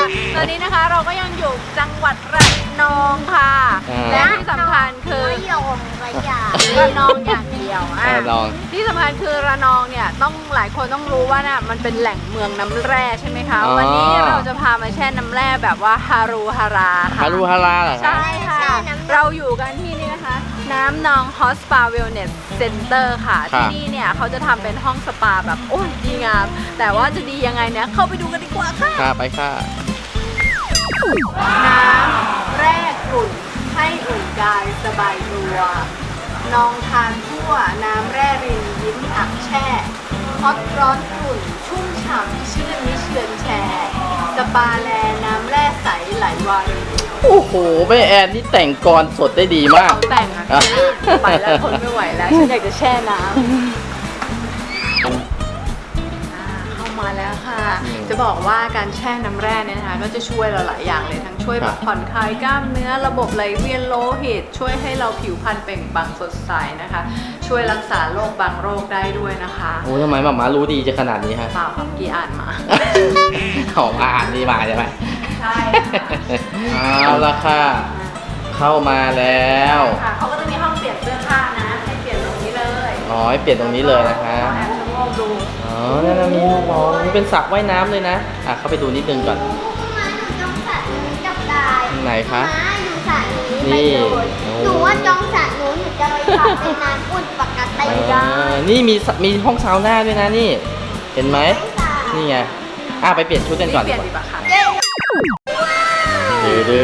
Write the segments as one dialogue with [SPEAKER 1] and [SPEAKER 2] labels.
[SPEAKER 1] ตอนนี้นะคะเราก็ยังอยู่จังหวัดระนองค่ะและที่สำคัญคือระนองอย่างเดียวที่สำคัญคือระนองเนี่ยต้องหลายคนต้องรู้ว่าน่ะมันเป็นแหล่งเมืองน้ำแร่ใช่ไหมคะวันนี้เราจะพามาแช่น้ำแร่แบบว่าฮารุฮาราค่ะ
[SPEAKER 2] ฮารุฮาราเหรอคะ
[SPEAKER 1] ใช่ค่ะเราอยู่กันที่นี่นะคะน้ำนองฮอสปาเวลเนสเซ็นเตอร์ค่ะที่นี่เนี่ยเขาจะทำเป็นห้องสปาแบบโอ้ยดีงามแต่ว่าจะดียังไงเนี่ยเข้าไปดูกันดีกว่าค่ะ
[SPEAKER 2] ไปค่ะ
[SPEAKER 1] น้ำแร่กลุ่นให้อุ่นกายสบายตัวนองทานทั่วน้ำแร่รินยิ้มอักแช่ฮอตร้อนกลุ่นชุ่มฉ่ำชื่นมิเชือนแชร์สปาแลน้ำแร่ใสไหลวารี
[SPEAKER 2] โอ้โหแม่แอนนี่แต่งกรสดได้ดีมาก
[SPEAKER 1] แต่งอะไปแล้วทนไม่ไหวแล้วฉันอยากจะแช่น้ำเข้ามาแล้วค่ะจะบอกว่าการแช่น้ำแร่เนี่ยนะคะก็จะช่วยเราหลายอย่างเลยทั้งช่วยแบบผ่อนคลายกล้ามเนื้อระบบไหลเวียนโลหิตช่วยให้เราผิวพรรณเปล่งปลั่งสดใสนะคะช่วยรักษาโรคบางโรคได้ด้วยนะคะ
[SPEAKER 2] โอ้ทำไมหม่ารู้ดีจะขนาดนี้ฮะ
[SPEAKER 1] เปล่าครับกี่อ่านมา
[SPEAKER 2] อ่านดีมาใช่ไหม
[SPEAKER 1] ใช่
[SPEAKER 2] เอาละค่ะเข้ามาแล้ว
[SPEAKER 1] เขาก็จะมีห้องเปลี่ยนเสื้อผ้านะให้เปลี่ยนตรงนี้เลย
[SPEAKER 2] ให้เปลี่ยนตรงนี้เลยนะคะ
[SPEAKER 1] แอบชะโงกดู
[SPEAKER 2] นั่นมีนี่เป็นสระว่ายน้ำเลยนะเข้าไปดูนิดนึงก่อนไหนคะ
[SPEAKER 3] นี่หนูว่าจองสระหนูจะไปทำเป็นน้ำอุ่นปกติ
[SPEAKER 2] นี่มีห้องซาวน่าด้วยนะนี่เห็นไหมนี่ไงไปเปลี่ยนชุดกันก่อน
[SPEAKER 1] เปลี่ยนดีป่ะคะ
[SPEAKER 2] ดื้อ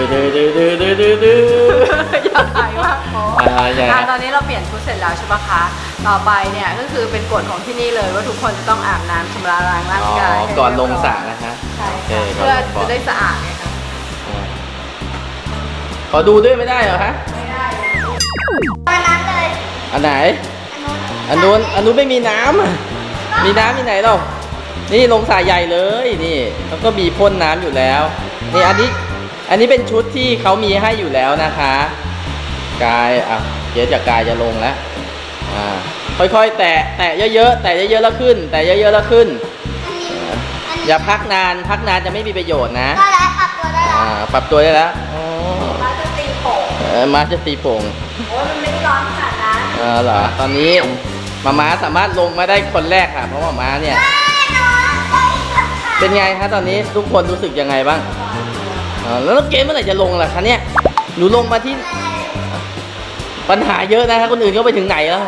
[SPEAKER 1] อย่าหายมากตอนนี้เราเปลี่ยนชุดเสร็จแล้วใช่ปะคะต่อไปเนี่ยก็คือเป็นกฎของที่นี่เลยว่าทุกคนจะต้องอาบน้ำชำระล้างร่างกาย
[SPEAKER 2] ก่อนลงสระนะคะ
[SPEAKER 1] ใช่เพื่อจะได้สะอาดไงคะ
[SPEAKER 2] ขอดูด้วยไม่ได้เหรอคะ
[SPEAKER 1] ไม่ได้
[SPEAKER 3] อันนั้นเลย
[SPEAKER 2] อันไหนอันนู้นไม่มีน้ำมีน้ำที่ไหนหรอนี่ลงสระใหญ่เลยนี่แล้วก็มีพ่นน้ำอยู่แล้วนี่อันนี้เป็นชุดที่เขามีให้อยู่แล้วนะคะกายเดี๋ยวจากกายจะลงแล้วค่อยๆแตะเยอะๆแตะเยอะๆแล้วขึ้นแตะเยอะๆแล้วขึ้นอย่าพักนานจะไม่มีประโยชน์นะ
[SPEAKER 3] ได้แล้วปรับตัวได้แล้ว
[SPEAKER 2] ปรับตัวได้แล้ว
[SPEAKER 1] มาจะตีโป่ง
[SPEAKER 2] มาจะตีโป่ง
[SPEAKER 1] โอ้ยมันไม่ได้ร้อนขนาดนั้น
[SPEAKER 2] เหรอตอนนี้ม้าสามารถลงมาได้คนแรกค่ะเพราะว่าม้าเนี่ยเป็นไงคะตอนนี้ทุกคนรู้สึกยังไงบ้างแล้วเกมเมื่อไหร่จะลงล่ะคะเนี่ยหนูลงมาที่ปัญหาเยอะนะคะคนอื่นเขาไปถึงไหนแล้ว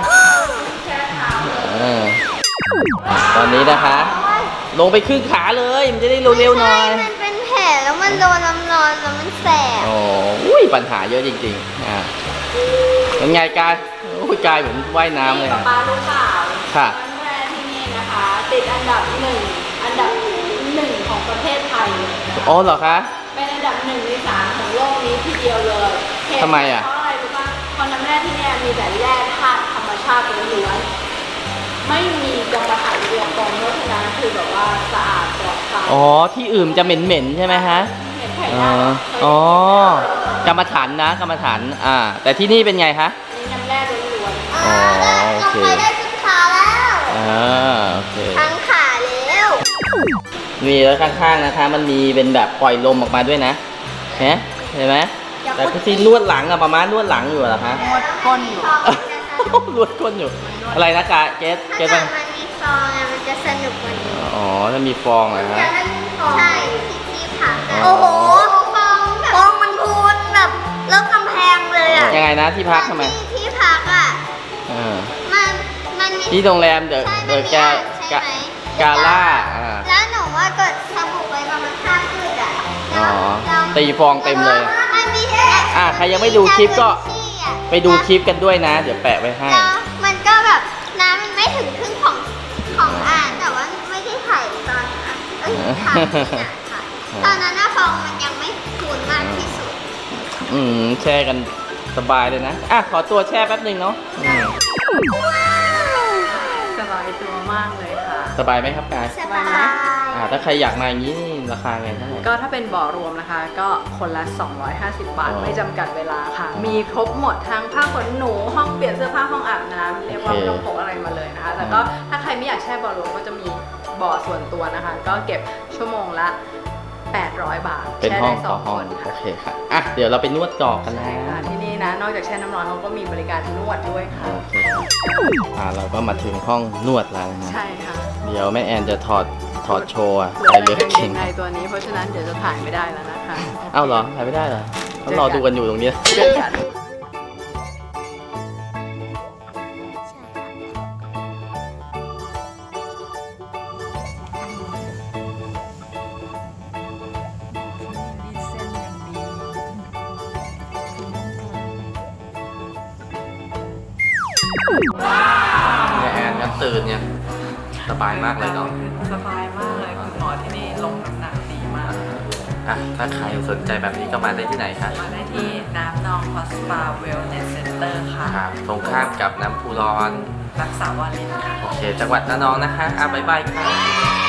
[SPEAKER 2] ตอนนี้นะคะลงไปครึ่งขาเลยมันจะได้เร็วๆหน่อย
[SPEAKER 3] มันเป็นแผลแล้วมันโดนน้ำร้อนแล้วมันแสบ
[SPEAKER 2] ปัญหาเยอะจริงๆเป็นไงกายกายเหมือนว่ายน้ำเลย
[SPEAKER 1] ป้ารู้เปล่า
[SPEAKER 2] ค่ะ
[SPEAKER 1] น้ำแร่ที่นี่นะคะติดอันดับหนึ่งของประเทศไทย
[SPEAKER 2] เหรอคะ
[SPEAKER 1] เป็นอันดับ1 ใน 3ของโลกนี้ทีเดียวเลย
[SPEAKER 2] ทำไม
[SPEAKER 1] เพราะอะไรรู้ป่ะเพราะน้ำแร่ที่นี่มีแต่แร่ธาตุธรรมชาติล้วนๆไม่มีกรรมฐานเรียงตรงเพราะฉะนั้นคือแบบว่าสะอาดปลอดภัย
[SPEAKER 2] ที่อื่นจะเหม็นๆใช่ไหมฮะ
[SPEAKER 1] เหม็นไข่ดาว
[SPEAKER 2] กรรมฐานแต่ที่นี่เป็นไงคะ
[SPEAKER 1] นี่น้ำแร่ล้วน
[SPEAKER 3] ๆโอเคได้ชุดขาแล้ว
[SPEAKER 2] โอเค
[SPEAKER 3] ทั้งขาแล้ว
[SPEAKER 2] มีแล้วข้างๆนะคะมันมีเป็นแบบปล่อยลมออกมาด้วยนะเห็นไหมแต่ที่นวดหลังประมาณนวดหลังอยู่เหรอคะ
[SPEAKER 1] นวดก้นอยู่
[SPEAKER 2] นวดก้นอยู่อะไรนะเจ๊
[SPEAKER 3] มันมีฟองมันจะสนุกกว่านี้
[SPEAKER 2] ถ้ามีฟองเหรอฮะ
[SPEAKER 3] ใช่ที่พักโอ้โหฟองมันพูนแบบแล้วกำแพงเลย
[SPEAKER 2] ยังไงนะที่พักทำไม
[SPEAKER 3] ที่พักมัน
[SPEAKER 2] ที่โรงแรมเดอะกาล่า
[SPEAKER 3] แล้วหนูว่าเกิดสบู่ไปประมาณ5 คืน
[SPEAKER 2] ตีฟองเต็มเลยใครยังไม่ดูคลิปก็ไปดูคลิปกันด้วยนะเดี๋ยวแปะไว้ให้
[SPEAKER 3] มันก็แบบน้ำมันไม่ถึงครึ่งของอ่างแต่ว่าไม่ได้ถ่ายตอนตอนนั้นฟองมันยังไม่พูนมากที่สุด
[SPEAKER 2] แช่กันสบายเลยนะขอตัวแช่แป๊บนึงเนาะ
[SPEAKER 1] สบายตัวมากเลยค่ะ
[SPEAKER 2] สบายไหมครับกาย
[SPEAKER 3] สบาย
[SPEAKER 2] ถ้าใครอยากมาอย่างนี้ราคาไงเท่าไหร่
[SPEAKER 1] ก็ถ้าเป็นบ่อรวมนะคะก็คนละ250 บาทไม่จำกัดเวลาค่ะมีครบหมดทั้งผ้าขนหนูห้องเปลี่ยนเสื้อผ้าห้องอาบน้ำเรียกว่าไม่ต้องพกอะไรมาเลยนะคะแต่ก็ถ้าใครไม่อยากแช่บ่อรวมก็จะมีบ่อส่วนตัวนะคะก็เก็บชั่วโมงละ 800 บาท
[SPEAKER 2] เป็นห้อง
[SPEAKER 1] แช่ได้
[SPEAKER 2] ต่อ
[SPEAKER 1] 2
[SPEAKER 2] ห้อง
[SPEAKER 1] คน
[SPEAKER 2] โอเคค่ะอ่ะเดี๋ยวเราไปนวดก่อนกัน
[SPEAKER 1] ใช่
[SPEAKER 2] นะ
[SPEAKER 1] ค่ะที่นี่นะนอกจากแช่น้ำร้อนเขาก็มีบริการนวดด้วยค่ะ
[SPEAKER 2] โอเคครับเราก็มาถึงห้องนวดแล้วนะ
[SPEAKER 1] ใช่ค่ะ
[SPEAKER 2] เดี๋ยวแม่แอนจะถอดโชว์อะ
[SPEAKER 1] เหลื
[SPEAKER 2] ใส่
[SPEAKER 1] อ
[SPEAKER 2] เลือด
[SPEAKER 1] แต่กางเก
[SPEAKER 2] เข่
[SPEAKER 1] ง
[SPEAKER 2] ง
[SPEAKER 1] ในตัวนี้เพราะฉะนั้นเดี๋ยวจะถ่ายไม่ได้แล้วนะคะ
[SPEAKER 2] เอ้าเหรอถ่ายไม่ได้เหรอต้องรอดูกันอยู่ตรงนี้
[SPEAKER 1] เจอกัน
[SPEAKER 2] แม่แอนก็ตื่นเนี่ยสบายมากเลยเนาะ
[SPEAKER 1] สบายมากเลยคุณหมอที่นี่ลงน้ำหนักดีมาก
[SPEAKER 2] อ่ะถ้าใครสนใจแบบนี้ก็มาได้ที่ไหนคะ
[SPEAKER 1] มาได้ที่น้ำนองฮอสปาเวลเนสเซ็นเตอร์ค่ะ
[SPEAKER 2] ครับตรงข้ามกับน้ำพุร้อน
[SPEAKER 1] รักษาวารินค่ะ
[SPEAKER 2] โอเค จังหวัดระนองนะคะบ๊ายบายค่ะ